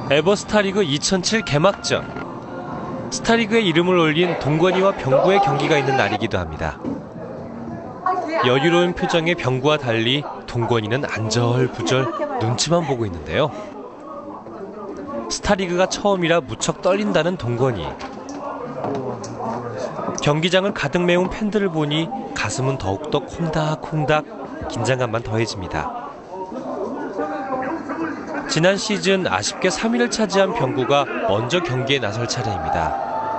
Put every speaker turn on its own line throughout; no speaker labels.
에버 스타리그 2007 개막전. 스타리그의 이름을 올린 동건이와 병구의 경기가 있는 날이기도 합니다. 여유로운 표정의 병구와 달리 동건이는 안절부절 눈치만 보고 있는데요. 스타리그가 처음이라 무척 떨린다는 동건이. 경기장을 가득 메운 팬들을 보니 가슴은 더욱더 콩닥콩닥 긴장감만 더해집니다. 지난 시즌 아쉽게 3위를 차지한 병구가 먼저 경기에 나설 차례입니다.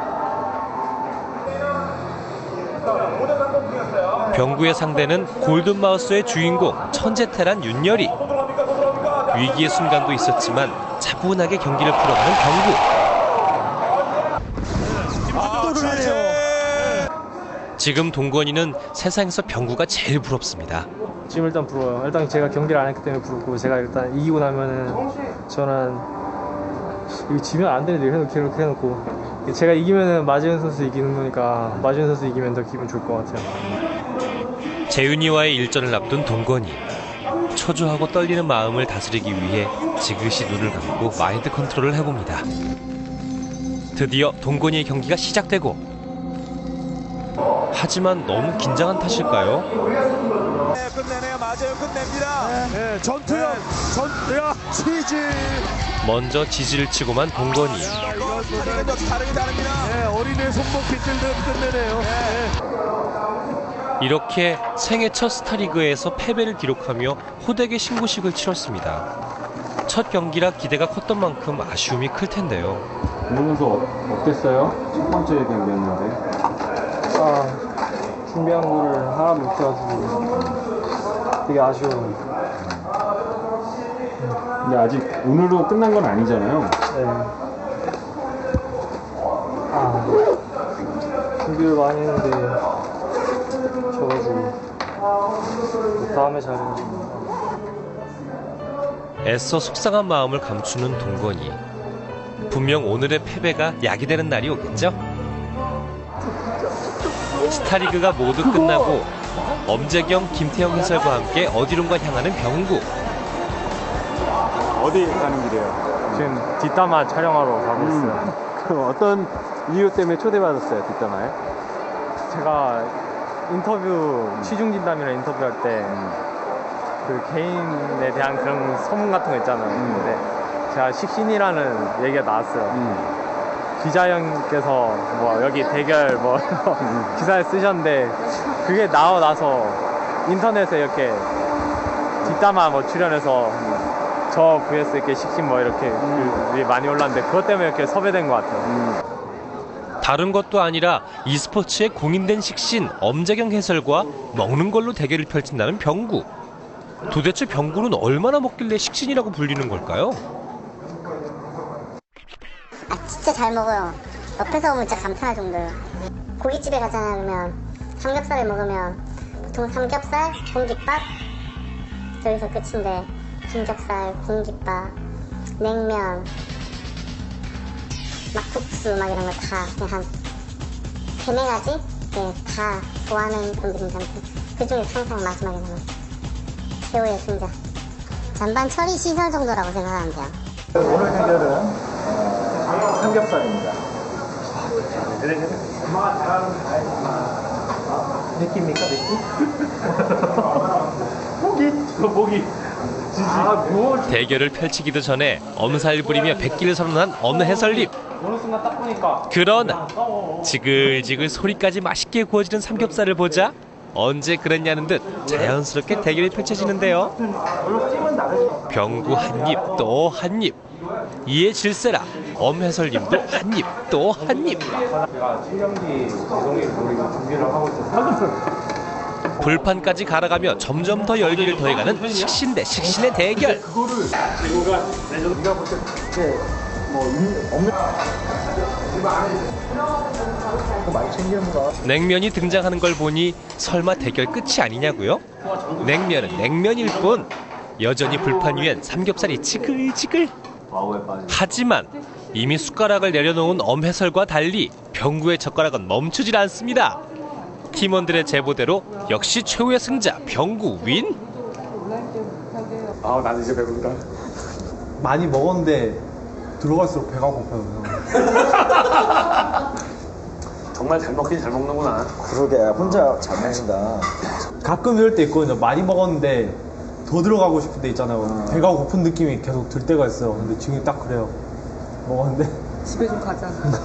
병구의 상대는 골든마우스의 주인공 천재테란 윤열이. 위기의 순간도 있었지만 차분하게 경기를 풀어가는 병구. 지금 동건이는 세상에서 병구가 제일 부럽습니다.
지금 일단 부러워요. 일단 제가 경기를 안 했기 때문에 부럽고, 제가 일단 이기고 나면은 저는 이거 지면 안 되는데 이렇게 해놓고 제가 이기면은 마지은 선수 이기는 거니까 마지은 선수 이기면 더 기분 좋을 것 같아요.
재윤이와의 일전을 앞둔 동건이. 초조하고 떨리는 마음을 다스리기 위해 지그시 눈을 감고 마인드 컨트롤을 해봅니다. 드디어 동건이의 경기가 시작되고, 하지만 너무 긴장한 탓일까요?
네, 끝내네요. 맞아요. 끝냅니다. 네, 전투력, 치즈.
먼저 지지를 치고만 동건이.
다릅니다. 네, 어린애 손목 빗질대로 끝내네요. 네.
이렇게 생애 첫 스타리그에서 패배를 기록하며 호되게 신고식을 치렀습니다. 첫 경기라 기대가 컸던 만큼 아쉬움이 클 텐데요.
그러면서 어땠어요? 첫 번째 경기였는데.
준비한 거를 하나도 못해가지고 되게 아쉬워요.
근데 아직 오늘로 끝난 건 아니잖아요.
네. 준비를 많이 했는데 져가지고 다음에 잘해야죠.
애써 속상한 마음을 감추는 동건이. 분명 오늘의 패배가 약이 되는 날이 오겠죠? 스타리그가 모두 끝나고 엄재경, 김태형 해설과 함께 어디론가 향하는 병구.
어디 가는 길이에요?
지금 뒷담화 촬영하러 가고 있어요.
그럼 어떤 이유 때문에 초대받았어요, 뒷담화에?
제가 인터뷰, 취중진담이랑 인터뷰할 때 그 개인에 대한 그런 소문 같은 거 있잖아요. 근데 제가 식신이라는 얘기가 나왔어요. 기자 형께서 뭐 여기 대결 뭐 기사에 쓰셨는데, 그게 나오고 나서 인터넷에 이렇게 뒷담화 뭐 출연해서 저 vs 이렇게 식신 뭐 이렇게 글이 많이 올랐는데, 그것 때문에 이렇게 섭외된 것 같아요.
다른 것도 아니라 e스포츠의 공인된 식신 엄재경 해설과 먹는 걸로 대결을 펼친다는 병구. 도대체 병구는 얼마나 먹길래 식신이라고 불리는 걸까요?
진짜 잘 먹어요. 옆에서 보면 진짜 감탄할 정도예요. 고깃집에 가잖아요. 그러면 삼겹살을 먹으면 보통 삼겹살, 공깃밥 여기서 끝인데, 삼겹살, 공깃밥, 냉면, 막국수 막 이런 거 다 그냥 한 3-4가지? 네, 다 좋아하는 분들인 상태. 그 중에 항상 마지막에 남았어요. 최후의 승자. 잔반 처리 시설 정도라고 생각하면 돼요.
오늘 대결은 삼겹살입니다. 느끼입니까?
목이.
대결을 펼치기도 전에 엄살 부리며 백기를 선언한 엄 해설님.
어느 순간 딱 보니까
그러나 지글지글 소리까지 맛있게 구워지는 삼겹살을 보자 언제 그랬냐는 듯 자연스럽게 대결이 펼쳐지는데요. 병구 한 입 또 한 입. 이에 질세라 엄 해설님도 한 입 또 한 입.
제가 신경기 재동이 보이고 준비를 하고 있었어요.
불판까지 갈아가며 점점 더 열기를 더해가는 식신 대 식신의 대결. 냉면이 등장하는 걸 보니 설마 대결 끝이 아니냐고요? 냉면은 냉면일 뿐 여전히 불판 위엔 삼겹살이 지글지글. 하지만 이미 숟가락을 내려놓은 엄 해설과 달리 병구의 젓가락은 멈추질 않습니다. 팀원들의 제보대로 역시 최후의 승자 병구 윈.
나는 이제 배부르다. 많이 먹었는데
들어갈수록 배가 고파요.
정말 잘 먹긴 잘 먹는구나.
그러게 혼자 잘 먹는다.
가끔 이럴 때 있거든요. 많이 먹었는데 더 들어가고 싶을 때 있잖아요. 배가 고픈 느낌이 계속 들 때가 있어요. 근데 지금 딱 그래요. 먹었는데
집에 좀 가자.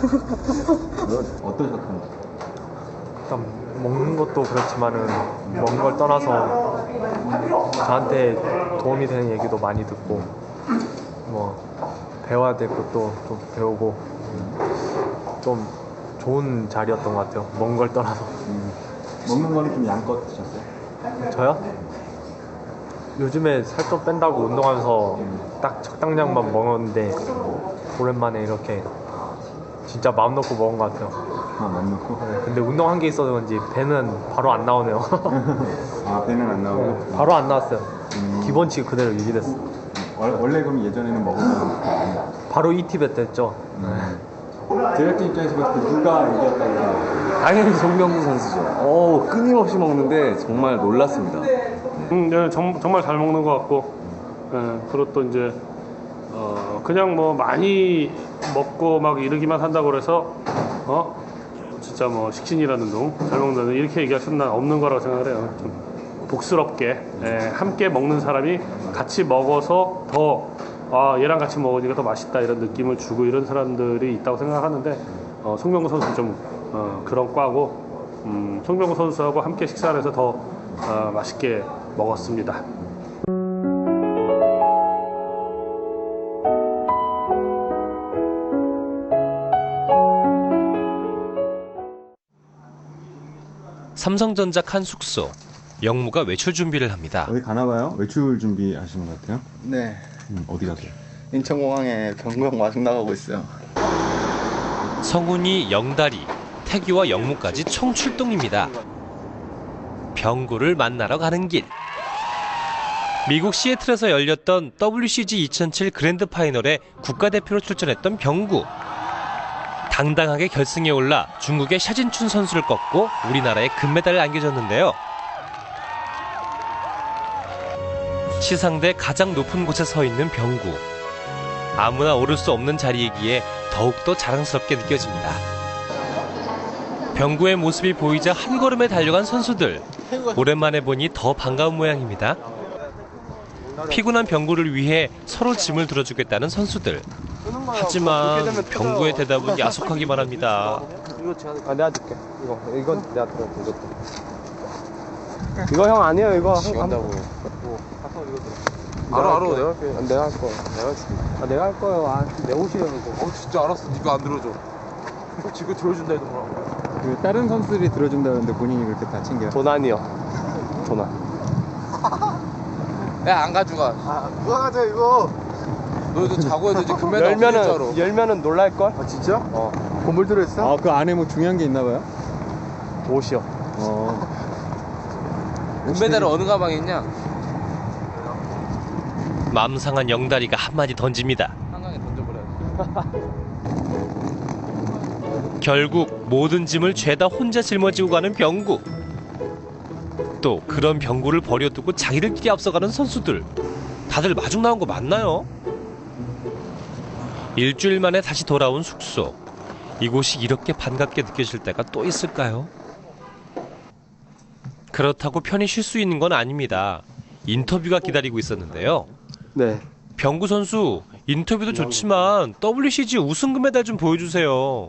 어떠셨던가요?
일단 먹는 것도 그렇지만은 먹는 걸 떠나서 저한테 도움이 되는 얘기도 많이 듣고 뭐 배워야 될 것도 좀 배우고 좀 좋은 자리였던 것 같아요. 먹는 걸 떠나서.
먹는 거는 좀 양껏 드셨어요?
저요? 요즘에 살 좀 뺀다고 운동하면서 딱 적당량만 먹었는데 오랜만에 이렇게 진짜 마음 놓고 먹은 것 같아요.
아, 맘 놓고?
네, 근데 운동한 게 있어서 그런지 배는 바로 안 나오네요.
아, 배는 안 나오고?
바로 안 나왔어요. 기본치가 그대로 유지됐어.
원래 그럼 예전에는 먹으면
바로 ET배 됐죠.
제작진 입장에서 봤을 때 누가 이겼다고?
당연히 송병구 선수죠. 끊임없이 먹는데 정말 놀랐습니다.
네, 정말 잘 먹는 것 같고, 그리고 또 이제 그냥 뭐 많이 먹고 막 이러기만 한다고 그래서 진짜 뭐 식신이라는 둥 잘 먹는다는 이렇게 얘기할 수는 없는 거라고 생각을 해요. 좀 복스럽게 함께 먹는 사람이 같이 먹어서 더 얘랑 같이 먹으니까 더 맛있다 이런 느낌을 주고 이런 사람들이 있다고 생각하는데 송병구 선수 좀 그런 과고 송병구 선수하고 함께 식사를 해서 더 맛있게 먹었습니다.
삼성전자 칸 숙소. 영무가 외출 준비를 합니다.
어디 가나봐요? 외출 준비하시는 것 같아요?
네.
어디 가세요?
인천공항에 병구형 마중 나가고 있어요.
성훈이, 영다리, 태규와 영무까지 총 출동입니다. 병구를 만나러 가는 길. 미국 시애틀에서 열렸던 WCG 2007 그랜드 파이널에 국가대표로 출전했던 병구. 당당하게 결승에 올라 중국의 샤진춘 선수를 꺾고 우리나라에 금메달을 안겨줬는데요. 시상대 가장 높은 곳에 서 있는 병구. 아무나 오를 수 없는 자리이기에 더욱더 자랑스럽게 느껴집니다. 병구의 모습이 보이자 한 걸음에 달려간 선수들. 오랜만에 보니 더 반가운 모양입니다. 피곤한 병구를 위해 서로 짐을 들어주겠다는 선수들. 하지만 병구의 대답은 야속하기만 합니다.
내가 줄게. 이건 내가 들어. 이거 형 아니에요. 이거 한다고.
알아
내가 할 거야. 내가 할 거예요. 내 옷이라고.
진짜 알았어. 니가 안 들어줘. 지금 들어준다 해도 뭐라고.
다른 선수들이 들어준다는데 본인이 그렇게 다 챙겨요?
도난이요. 도난.
야, 안 가져가.
누가 가져 이거?
너 이제 자고 해도 이제 금메달 없을 줄 알아.
열면은 놀랄걸?
아 진짜? 건물 들어있어?
아, 그 안에 뭐 중요한 게 있나 봐요?
옷이요.
금메달은 어느 가방에 있냐?
맘 상한 영다리가 한마디 던집니다.
한강에 던져버려.
결국 모든 짐을 죄다 혼자 짊어지고 가는 병구. 또 그런 병구를 버려두고 자기들끼리 앞서가는 선수들. 다들 마중 나온 거 맞나요? 일주일 만에 다시 돌아온 숙소. 이곳이 이렇게 반갑게 느껴질 때가 또 있을까요? 그렇다고 편히 쉴 수 있는 건 아닙니다. 인터뷰가 기다리고 있었는데요.
네.
병구 선수, 인터뷰도 좋지만 WCG 우승 금메달 좀 보여주세요.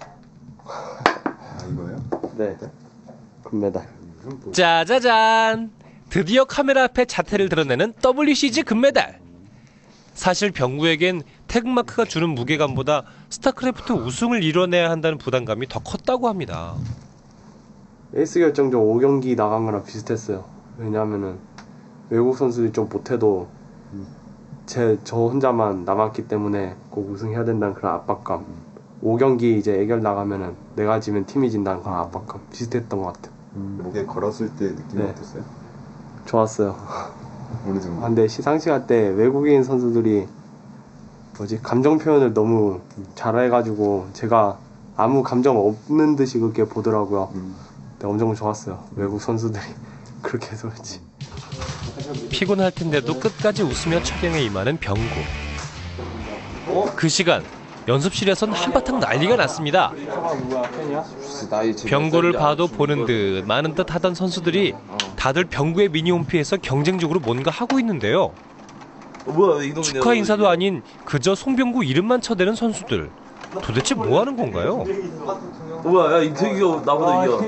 아, 이거요?
네. 금메달.
짜자잔! 드디어 카메라 앞에 자태를 드러내는 WCG 금메달. 사실 병구에겐 태극마크가 주는 무게감보다 스타크래프트 우승을 이뤄내야 한다는 부담감이 더 컸다고 합니다.
에이스 결정전 5경기 나간 거랑 비슷했어요. 왜냐하면은 외국 선수들이 좀 못해도 저 혼자만 남았기 때문에 꼭 우승해야 된다는 그런 압박감. 5경기 이제 애결 나가면은 내가 지면 팀이 진다는 그런 압박감 비슷했던 것 같아요.
목에 걸었을 때 느낌이
네.
어땠어요?
좋았어요.
어느 정도?
근데 시상식 할 때 외국인 선수들이 감정 표현을 너무 잘해가지고 제가 아무 감정 없는 듯이 그렇게 보더라고요. 근데 엄청 좋았어요. 외국 선수들이 그렇게 해서 그렇지.
피곤할 텐데도 끝까지 웃으며 촬영에 임하는 병구. 그 시간 연습실에선 한바탕 난리가 났습니다. 병구를 봐도 보는 듯 마는 듯 하던 선수들이 다들 병구의 미니홈피에서 경쟁적으로 뭔가 하고 있는데요. 축하 인사도 아닌 그저 송병구 이름만 쳐대는 선수들. 도대체 뭐 하는 건가요?
뭐야, 야, 인태규가 나보다 이겨.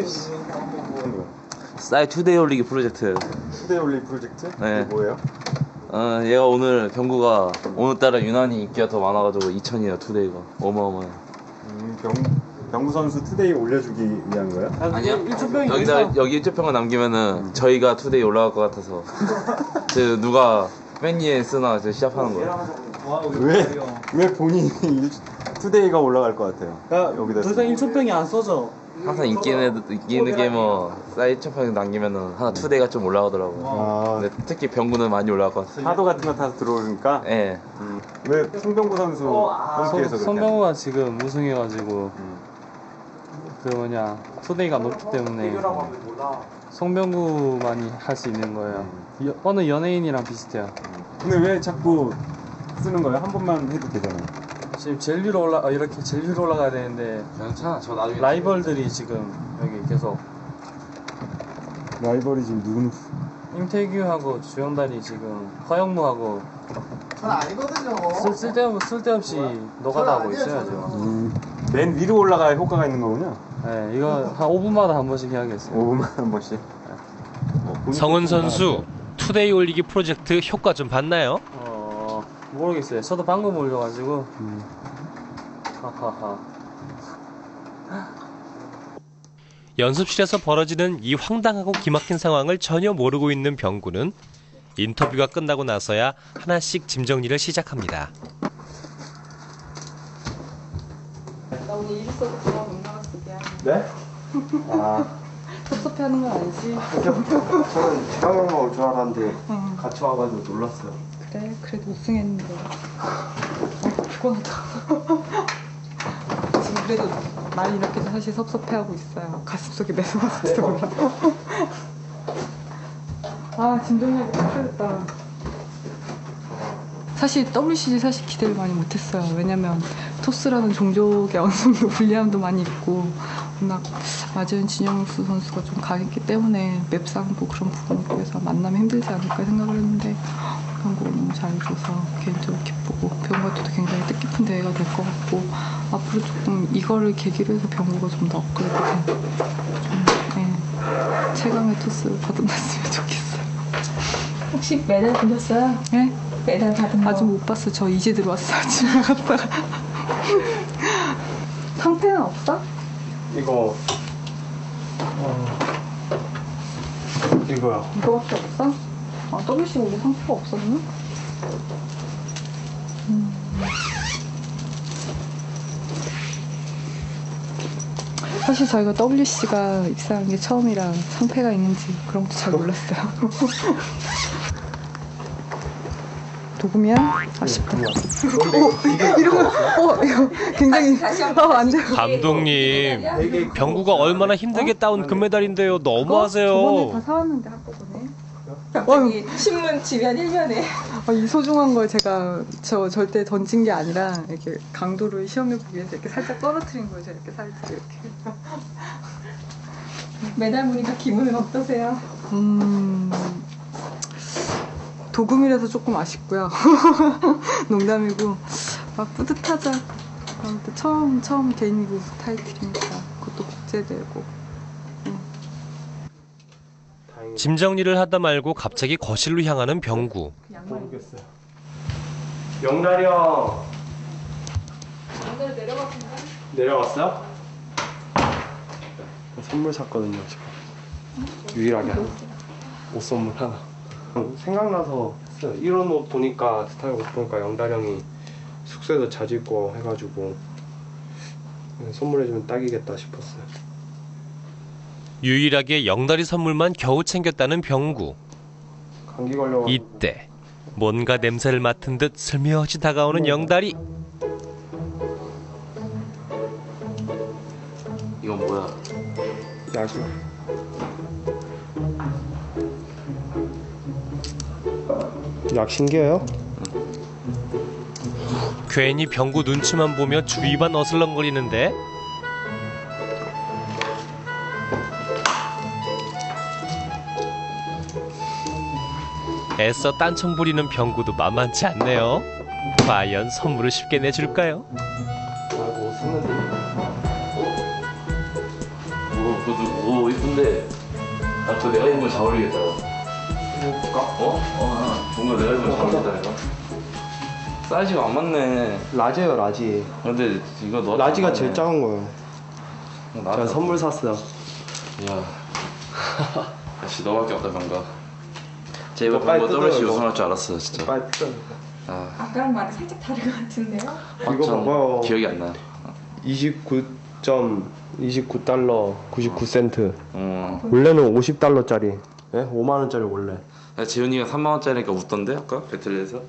싸이 투데이 올리기 프로젝트.
투데이 올리 프로젝트?
네.
그게 뭐예요?
얘가 오늘 병구가 오늘따라 유난히 인기가 더 많아가지고 2000이에요, 투데이가. 어마어마해.
병구 선수 투데이 올려주기 위한 거예요?
아니야. 여기 일조평을 남기면은 저희가 투데이 올라갈 것 같아서. 누가 팬이에 쓰나 시합하는 거예요.
왜 본인이 투데이가 올라갈 것 같아요? 여기다
더 이상 1초병이 안 써져.
항상 인기 있는 게이머 싸이 일조평 남기면은 하나 투데이가 좀 올라가더라고요. 근데 특히 병구는 많이 올라갈 것 같아요.
파도 같은 거 타서 들어오니까?
예.
왜 송병구 선수 홈피에서 그렇게
손병구가 지금 우승해가지고 투데이가 높기 때문에 송병구만이 할 수 있는 거예요. 어느 연예인이랑 비슷해요.
근데 왜 자꾸 쓰는 거예요? 한 번만 해도 되잖아요.
지금 제일 위로 이렇게 제일 위로 올라가야 되는데
괜찮아. 저 나중에
라이벌들이 지금 여기 계속
라이벌이 지금 누구는?
임태규하고 주영단이 지금 허영무하고
전 아니거든요.
쓸데없이 노가다 하고 있어요 지금.
맨 위로 올라가야 효과가 있는 거군요.
네, 이거 한 5분마다 한 번씩 해야겠어요.
5분만 한 번씩.
성은 선수 투데이 올리기 프로젝트 효과 좀 봤나요?
모르겠어요. 저도 방금 올려가지고. 하하하.
연습실에서 벌어지는 이 황당하고 기막힌 상황을 전혀 모르고 있는 병구는 인터뷰가 끝나고 나서야 하나씩 짐 정리를 시작합니다.
나 오늘 일 있어서 그냥 못 나갔어. 미안해.
네?
섭섭해하는 건 아니지?
저는 지방형만 올 줄 알았는데 같이 와가지고 놀랐어요.
그래, 그래도 우승했는데. 피곤하다. 지금 그래도 많이 이렇게 사실 섭섭해하고 있어요. 가슴속에 매서워서 몰라. 짐 정리하기 힘들었다. 사실 WCG 사실 기대를 많이 못했어요. 왜냐면 토스라는 종족의 어느 정도 불리함도 많이 있고 워낙 맞은 진영수 선수가 좀 강했기 때문에 맵상도 그런 부분에 비해서 만나면 힘들지 않을까 생각을 했는데 병구가 너무 잘해줘서 개인적으로 기쁘고 병구한테도 굉장히 뜻깊은 대회가 될 것 같고 앞으로 조금 이거를 계기로 해서 병구가 좀 더 업그레이드 된 최강의 토스를 거듭났으면 좋겠어요.
혹시 메달 보셨어요?
네?
메달 받은 거?
아직 못 봤어요. 저 이제 들어왔어요. 집에 갔다가. 상패는 없어?
이거 이거요.
이거밖에 없어? WC 원래 상표가 없었나? 사실 저희가 WC가 입사한 게 처음이라 상패가 있는지 그런 것도 잘 몰랐어요. 도구면 아쉽다. 이거 굉장히 완전.
감독님, 병구가 얼마나 힘들게 따온 금메달인데요. 너무하세요.
저번에 다 사왔는데 한꺼번에.
갑자기 신문 지면 1면에
이 소중한 걸 제가 절대 던진 게 아니라 이렇게 강도를 시험해 보기 위해서 이렇게 살짝 떨어뜨린 거예요. 제가 이렇게 살짝 이렇게.
메달 보니까 기분은 어떠세요?
도금이라서 조금 아쉽고요. 농담이고 뿌듯하자. 아무튼 처음 개인리그 타이틀이니까 그것도 국제대회고.
짐 정리를 하다 말고 갑자기 거실로 향하는 병구.
모르겠어요. 영달이 형.
오늘 내려갔는데?
내려갔어요? 선물 샀거든요 지금. 유일하게 하나. 옷 선물 하나. 생각나서 했어요. 이런 옷 보니까 스타일 옷 보니까 영달 형이 숙소에서 자주 입고 해가지고 선물해주면 딱이겠다 싶었어요.
유일하게 영다리 선물만 겨우 챙겼다는 병구.
감기 걸려가지고.
이때 뭔가 냄새를 맡은 듯 슬며시 다가오는 영다리.
이건 뭐야?
약이요. 약 신기해요?
괜히 병구 눈치만 보며 주위만 어슬렁거리는데 애써 딴청 부리는 병구도 만만치 않네요. 과연 선물을 쉽게 내줄까요?
뭐 샀는데? 오 이쁜데. 아, 저 내가 입으면 잘 어울리겠다. 입어볼까? 뭔가 내가 입으면 잘 어울리겠다 이거. 사이즈가 안 맞네.
라지예요, 라지.
근데 이거 너
라지가 제일 작은 거예요.
제가
선물 샀어요.
야, 역시 너밖에 없다 병가. 제 이번
빨리
병가
뜯어요,
WC
이거.
우승할 줄 알았어 진짜.
빨리 뜯어.
아까랑 말이 살짝 다른 것 같은데요?
이거
전
봐봐요.
기억이 안 나요.
29.29달러 99센트.
어.
원래는 50달러짜리. 예? 5만 원짜리 원래.
야, 재훈이가 3만 원짜리니까 웃던데 아까 배틀에서.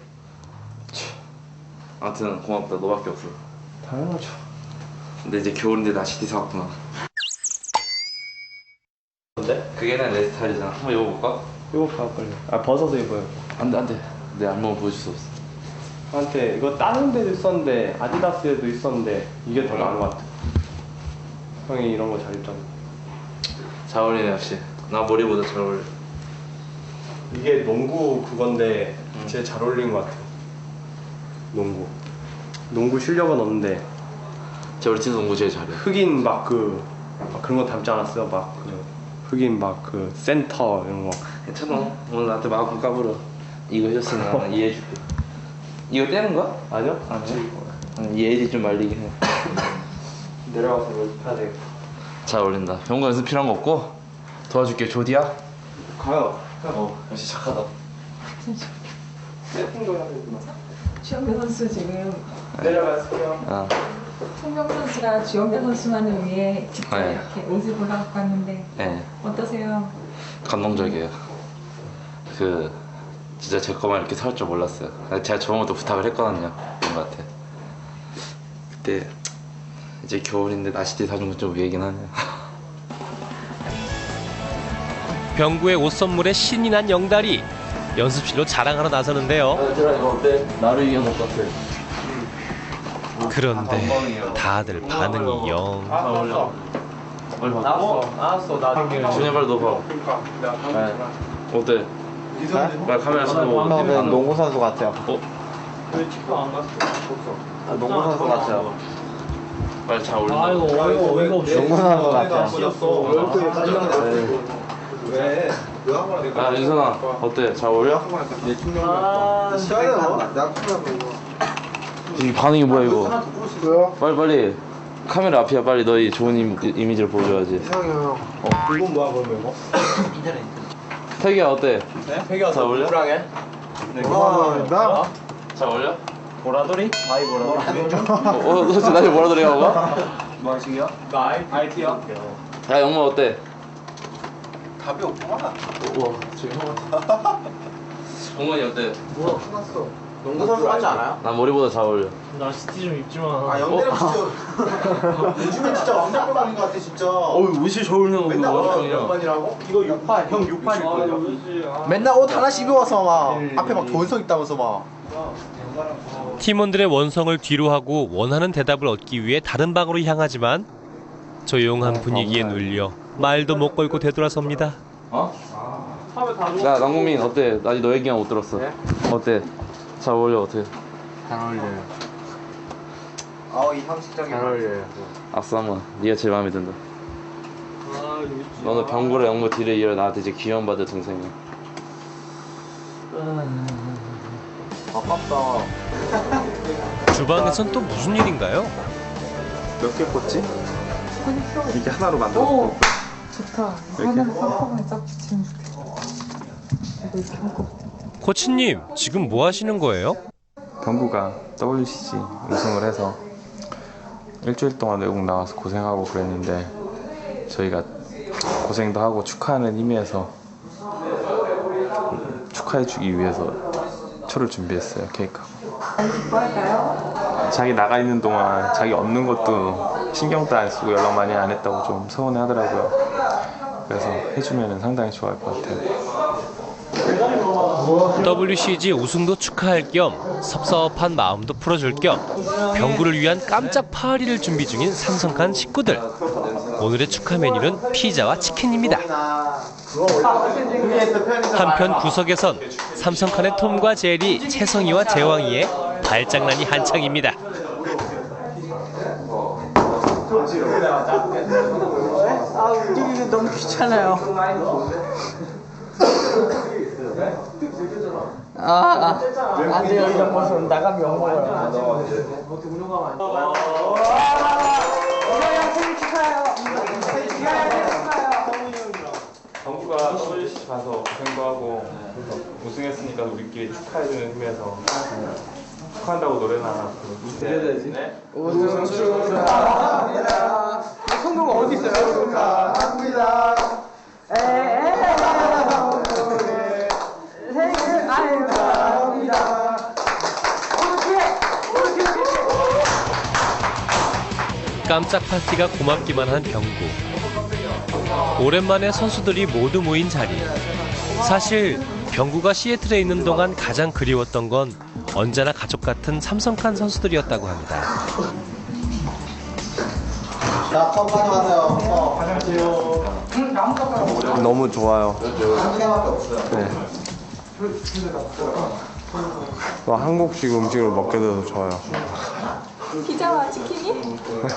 아무튼 고맙다. 너밖에 없어.
당연하죠.
근데 이제 겨울인데 나시티 사왔구나.
근데?
그게 내 스타일이잖아. 한번 입어볼까?
이거 봐 빨리. 아 벗어서 입어요.
안돼. 내 안무는 보여줄 수 없어.
한테 이거 다른 데도 있었는데 아디다스에도 있었는데 이게 더 나은 것 같아. 형이 이런 거 잘 입잖아.
잘 어울리네 역시. 나 머리보다 잘 어울려.
이게 농구 그건데 제일 잘 어울리는 것 같아. 농구 실력은 없는데
제 우리 팀 농구 제일 잘해.
흑인 막 그런 거 닮지 않았어요? 막 흑인 막 센터 이런 거.
괜찮아. 오늘 나한테 마음 까불어. 이거 해줬으면 나는 이해해줄게. 이거 떼는 거야?
아니요?
이해지 좀 말리긴 해.
내려가서 연습해야 되겠다.
잘 어울린다. 병원 연습 필요한 거 없고 도와줄게. 조디야.
가요.
역시 착하다.
세팅도 해야 되구나.
주영배 선수 지금
내려가세요.
송병 선수가 주영배 선수만을 위해 직접
네.
이렇게 옷을 골라갖고 왔는데
네.
어떠세요?
감동적이에요. 진짜 제 거만 이렇게 살 줄 몰랐어요. 제가 저번부터 부탁을 했거든요. 형한테. 그때 이제 겨울인데 나시티 사준 건 좀 위에긴 하네요.
병구의 옷 선물에 신이 난 영달이 연습실로 자랑하러 나서는데요.
제가 이거 어때? 나를 이겨놓을 것 같아.
그런데 다들 반응이 영.
나왔어. 나중에.
준이 빨리 넣어봐. 어때? 빨리 카메라 켜고.
농구 선수 같아요.
왜 직접 안 갔어?
농구 선수 같아요.
빨리 잘 어울린다.
아이고 어이가 없이.
농구 선수 같아요.
왜?
야 윤선아 어때? 잘 어울려? 이 반응이 뭐야 이거? 빨리 카메라 앞이야. 빨리 너희 좋은 이미지를 보여줘야지.
이건 뭐야 그러면 이거?
태기야 어때?
혜기야
잘 어울려?
나?
잘 어울려?
보라돌이? 아이 보라돌이?
너 진짜 나한테 뭐라 그래요?
뭐 하시게요? 나 IT요.
야 영모 어때?
답이 없구만.
우와 지금 동건이 어때?
뭐야 끝났어. 농구 선수 같지 않아요?
난 머리보다 잘 어울려.
나시티 좀 입지 마.
아 영대랑 진짜 요즘엔 진짜 왕자골반인 것 같아 진짜.
옷이 잘 어울리는
맨날 몇 번이라고? 이거 6판 형 6판일걸요? 맨날 옷 하나씩 입어와서 막 앞에 막 존성 있다면서 막.
팀원들의 원성을 뒤로하고 원하는 대답을 얻기 위해 다른 방으로 향하지만 조용한 분위기에 눌려 말도 못 걸고 되돌아섭니다.
야 남국민 어때? 나 아직 너 얘기만 못 들었어. 어때? 잘 어울려 어때?
잘 어울려요. 이 형식적인. 잘 어울려요.
악수 한번. 네가 제일 마음에 든다. 너는 병구랑 영구 뒤를 이어 나한테 이제 귀여움받을 동생이야.
아깝다.
주방에선 또 무슨 일인가요?
몇 개 꽂지? 이게 하나로 만들어.
오, 좋다. 하나는 한꺼번에 쫙 붙이면 좋겠다. 이거 이렇게 한꺼번에.
코치님 지금 뭐 하시는 거예요?
병구가 WCC 우승을 해서 일주일 동안 외국 나가서 고생하고 그랬는데 저희가 고생도 하고 축하하는 의미에서 축하해주기 위해서 초를 준비했어요. 케이크하고.
기뻐할까요?
자기 나가 있는 동안 자기 없는 것도 신경도 안 쓰고 연락 많이 안 했다고 좀 서운해 하더라고요. 그래서 해주면 상당히 좋아할 것 같아요.
WCG 우승도 축하할 겸 섭섭한 마음도 풀어줄 겸 병구를 위한 깜짝 파티를 준비 중인 삼성칸 식구들. 오늘의 축하 메뉴는 피자와 치킨입니다. 한편 구석에선 삼성칸의 톰과 제리, 채성이와 제왕이의 발장난이 한창입니다.
움직이기 너무 귀찮아요. 안 돼요. 이런 모습 나가면 욕먹어요. 생일 축하해요.
정구가 WCG 가서 고생도 하고 우승했으니까 우리끼리 축하해주는 의미에서 축하한다고 노래나 하나 부르는데
우승 축하합니다. 성공 어디 있어요? 축하합니다. 생일 아유 축하합니다.
깜짝 파티가 고맙기만 한 병구. 오랜만에 선수들이 모두 모인 자리. 사실 병구가 시애틀에 있는 동안 가장 그리웠던 건 언제나 가족 같은 삼성칸 선수들이었다고 합니다.
자, 컵 가져가세요.
너무 좋아요.
한 개밖에 없어요.
네. 한국식 음식을 먹게 돼서 좋아요.
피자와 치킨이?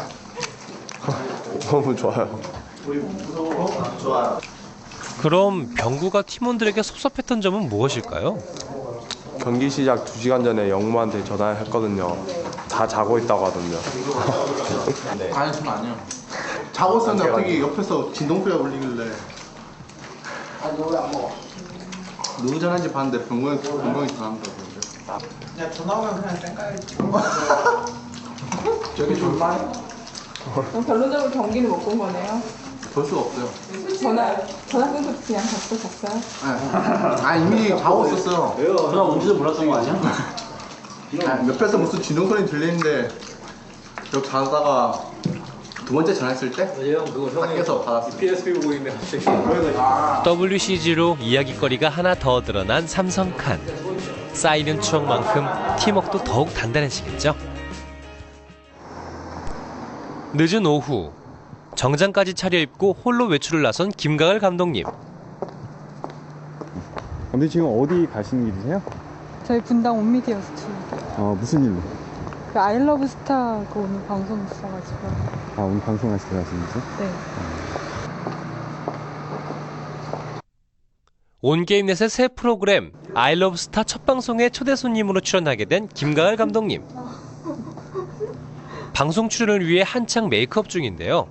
너무 좋아요.
좋아요.
그럼 병구가 팀원들에게 섭섭했던 점은 무엇일까요?
경기 시작 2시간 전에 영무한테 전화했거든요. 다 자고 있다고 하던데요.
아니, 전 아니요. 자고 있었는데 갑자기 옆에서 진동배가 울리길래. 아니, 너 왜 안 먹어? 누구 전화인지 봤는데 병건이 전화한다고. 야, 전화 오면 그냥 쌩까야지. 저기 졸만해?
그럼 결론적으로 경기는 못 본 거네요?
볼 수가 없어요.
전화 끊고 그냥 잤어요?
네. 아, 이미 자고 있었어요.
왜요? 전화 온지도 몰랐던 거 아니야?
옆에서 무슨 진동소리 들리는데 여기 자다가 두 번째 전화했을 때 밖에서 받았어요.
PSP 보고 있네 갑자기.
WCG로 이야깃거리가 하나 더 드러난 삼성칸. 쌓이는 추억만큼 팀워크도 더욱 단단해지겠죠. 늦은 오후 정장까지 차려입고 홀로 외출을 나선 김가을 감독님.
근데 지금 어디 가시는 길이세요?
저희 분당 온미디어 스튜디오.
무슨 일로?
그 아이러브 스타 그 오늘 방송 있어가지고.
오늘 방송하시러 가시는 거죠?
네.
온게임넷의 새 프로그램 아이러브 스타 첫 방송에 초대 손님으로 출연하게 된 김가을 감독님. 방송 출연을 위해 한창 메이크업 중인데요.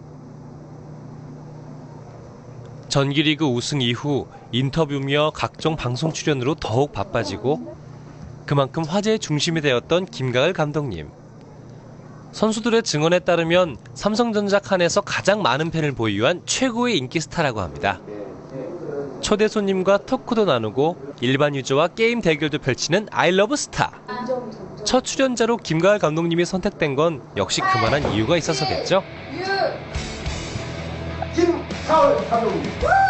정규리그 우승 이후 인터뷰며 각종 방송 출연으로 더욱 바빠지고 그만큼 화제의 중심이 되었던 김가을 감독님. 선수들의 증언에 따르면 삼성전자 칸에서 가장 많은 팬을 보유한 최고의 인기 스타라고 합니다. 초대 손님과 토크도 나누고 일반 유저와 게임 대결도 펼치는 아이러브 스타. 첫 출연자로 김가을 감독님이 선택된 건 역시 그만한 이유가 있어서겠죠.
김가을 감독님.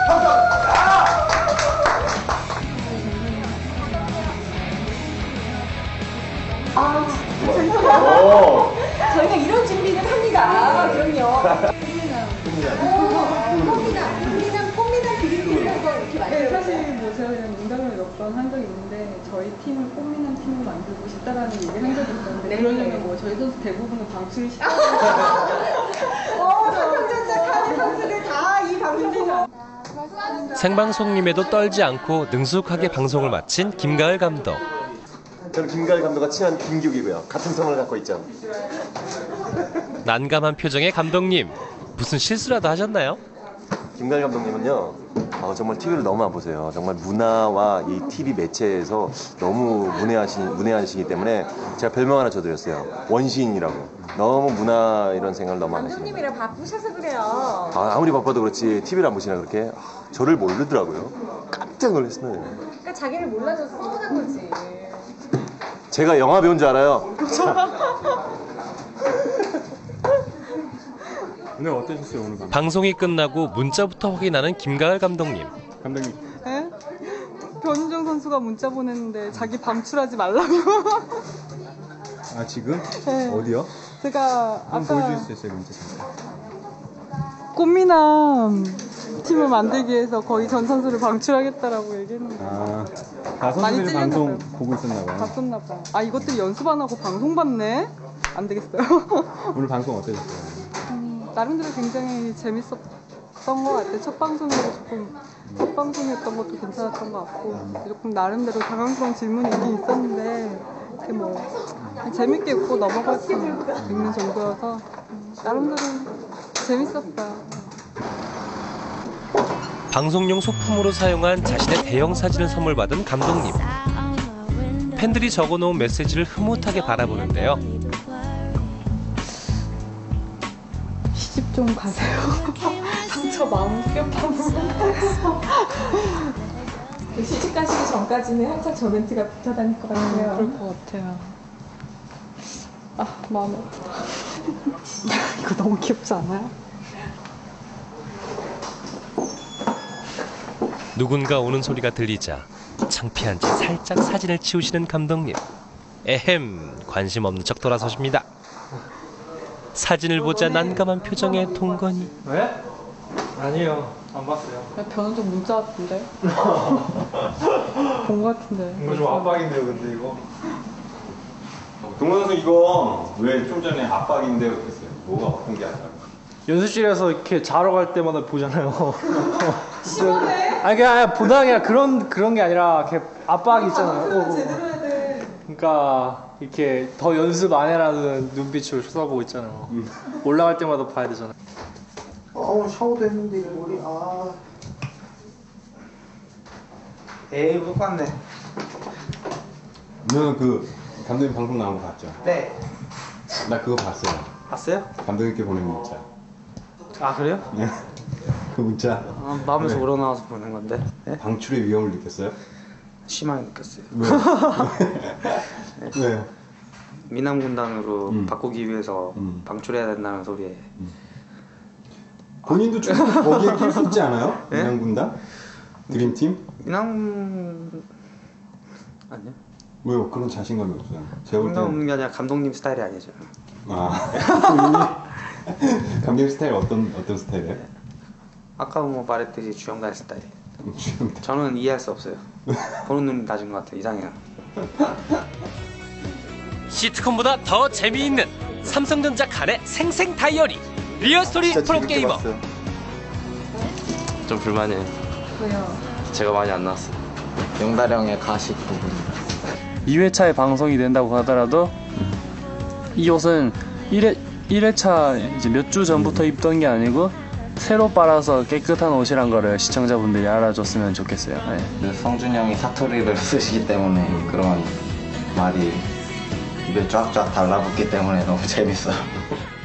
저희가 이런 준비는 합니다. 그럼요. 꽃미남 드리는 거 이렇게
네, 사실 뭐 제가 그냥 농담을 몇 번 한 적이 있는데 저희 팀을 꽃미남 팀으로 만들고 싶다라는 얘기 한 적이 있었는데 그러려면 뭐 저희 선수 대부분은 방출을 시켜요.
삼성전자 카드 선수들 다 이 방송 보고.
생방송임에도 떨지 않고 능숙하게 방송을 마친 김가을 감독.
저는 김가을 감독과 친한 김규기고요. 같은 성을 갖고 있죠.
난감한 표정의 감독님. 무슨 실수라도 하셨나요?
김가을 감독님은요, 정말 TV를 너무 안 보세요. 정말 문화와 이 TV 매체에서 너무 문외하시기 때문에 제가 별명 하나 줘드렸어요. 원시인이라고. 너무 문화 이런 생각을 너무 안 하시는 거예요.
감독님이랑 바쁘셔서 그래요.
아무리 바빠도 그렇지 TV를 안 보시나 그렇게 저를 모르더라고요. 깜짝 놀랐어요.
그러니까 자기를 몰라줘서 서운한 거지.
제가 영화 배운 줄 알아요.
오늘 어떠셨어요 오늘 방송?
방송이 끝나고 문자부터 확인하는 김가을 감독님.
감독님.
네? 변은정 선수 연수가 문자 보냈는데 자기 방출하지 말라고.
아 지금?
네.
어디요?
제가
한번
아까
보여줄 수 있어요 문자 잠깐.
꽃미남 팀을 만들기 위해서 거의 전 선수를 방출하겠다라고 얘기했는데
다
많이
선수들이
찔렸나
방송
봐요.
보고 있었나 봐요.
봤었나 봐. 아 이것들 연습 안 하고 방송 봤네? 안 되겠어요.
오늘 방송 어떠셨어요?
나름대로 굉장히 재밌었던 것 같아요. 첫 방송이었던 것도 괜찮았던 것 같고 조금 나름대로 당황스러운 질문이 있긴 있었는데 그게 뭐 그냥 재밌게 웃고 넘어갈 수 있는 정도여서 나름대로 재밌었어요.
방송용 소품으로 사용한 자신의 대형 사진을 선물 받은 감독님. 팬들이 적어놓은 메시지를 흐뭇하게 바라보는데요.
시집 좀 가세요. 상처 마음 뼈파고.
시집 가시기 전까지는 항상 저 멘트가 붙어 다닐 것 같아요.
그럴 것 같아요. 아 마음이 아프다. 이거 너무 귀엽지 않아요?
누군가 오는 소리가 들리자 창피한 채 살짝 사진을 치우시는 감독님. 에헴, 관심 없는 척 돌아서십니다. 사진을 보자 난감한 표정의 동건이.
왜? 아니요, 안 봤어요.
변호적 문자 같은데? 본 것 같은데.
이거 좀 압박인데요, 근데 이거.
동원 선수 이거 왜 좀 전에 압박인데요 그랬어요? 뭐가 아픈 게 아니라?
연습실에서 이렇게 자러 갈 때마다 보잖아요. 심하네? 아니 그냥 보다 그냥 그런 게 아니라 이렇게 압박이 있잖아요.
제대로 해야 돼.
그러니까 이렇게 더 연습 안 해라는 눈빛으로 쳐다보고 있잖아요. 올라갈 때마다 봐야 되잖아요.
오늘 샤워도 했는데 이 머리 에이 못 봤네.
오늘 그 감독님 방송 나온 거 봤죠?
네.
나 그거 봤어요.
봤어요?
감독님께 보낸 문자.
아 그래요?
그 문자.
아, 마음에서
네.
우러나와서 보낸 건데. 네?
방출의 위험을 느꼈어요?
심하게 느꼈어요.
왜? 왜?
미남 군단으로 바꾸기 위해서 방출해야 된다는 소리에
본인도 좀 거기에 낄 수 있지 않아요?
네?
민항군단? 드림팀?
미남 아니요.
왜요? 그런 자신감이 없어요. 제가 볼
생각
때는
없는 게 아니라 감독님 스타일이 아니죠.
아 감독님 스타일 어떤 스타일이에요?
아까 뭐 말했듯이 주영달 스타일. 저는 이해할 수 없어요. 보는 눈이 낮은 것 같아요. 이상해요.
시트콤보다 더 재미있는 삼성전자 간의 생생 다이어리 리얼스토리 프로게이머.
좀 불만이에요.
왜요?
제가 많이 안 나왔어요.
용다령의 가식 부분. 2회차에 방송이 된다고 하더라도 이 옷은 1회차 이제 몇 주 전부터 입던 게 아니고 새로 빨아서 깨끗한 옷이란 거를 시청자분들이 알아줬으면 좋겠어요. 네.
성준이 형이 사투리를 쓰시기 때문에 그런 말이 입에 쫙쫙 달라붙기 때문에 너무 재밌어요.